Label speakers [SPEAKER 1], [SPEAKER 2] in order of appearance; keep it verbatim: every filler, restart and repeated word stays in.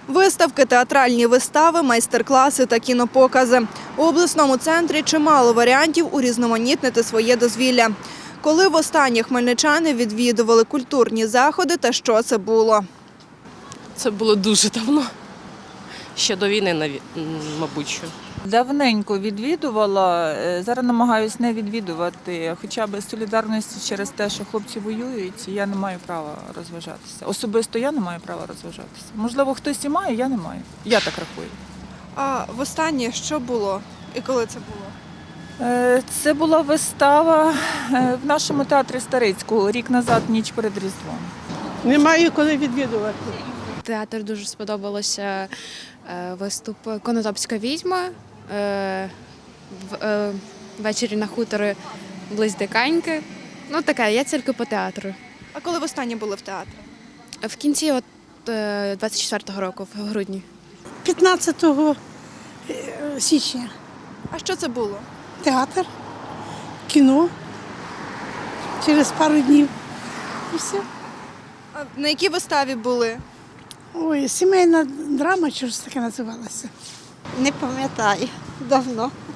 [SPEAKER 1] Виставки, театральні вистави, майстер-класи та кінопокази. У обласному центрі чимало варіантів урізноманітнити своє дозвілля. Коли востаннє хмельничани відвідували культурні заходи та що це було?
[SPEAKER 2] Це було дуже давно. Ще до війни, наві- м, мабуть. що.
[SPEAKER 3] Давненько відвідувала, е, зараз намагаюся не відвідувати, хоча б з солідарності через те, що хлопці воюють, я не маю права розважатися. Особисто я не маю права розважатися. Можливо, хтось і має, я не маю. Я так рахую.
[SPEAKER 1] А востаннє що було і коли це було?
[SPEAKER 3] Е, Це була вистава е, в нашому театрі Старицького рік назад, ніч перед Різдвом.
[SPEAKER 4] Немає коли відвідувати.
[SPEAKER 5] Театр дуже сподобалося е, виступ «Конотопська відьма» е, в- е, ввечері на хуторі Близдиканьки. Ну таке, я тільки по театру.
[SPEAKER 1] А коли востаннє були в театрі?
[SPEAKER 5] В кінці от, е, двадцять четвертого року, в грудні.
[SPEAKER 4] п'ятнадцятого січня.
[SPEAKER 1] А що це було?
[SPEAKER 4] Театр, кіно. Через пару днів. І все.
[SPEAKER 1] А на якій виставі були?
[SPEAKER 4] Ой, сімейна драма, чи ж таке називалося.
[SPEAKER 6] Не пам'ятаю, давно.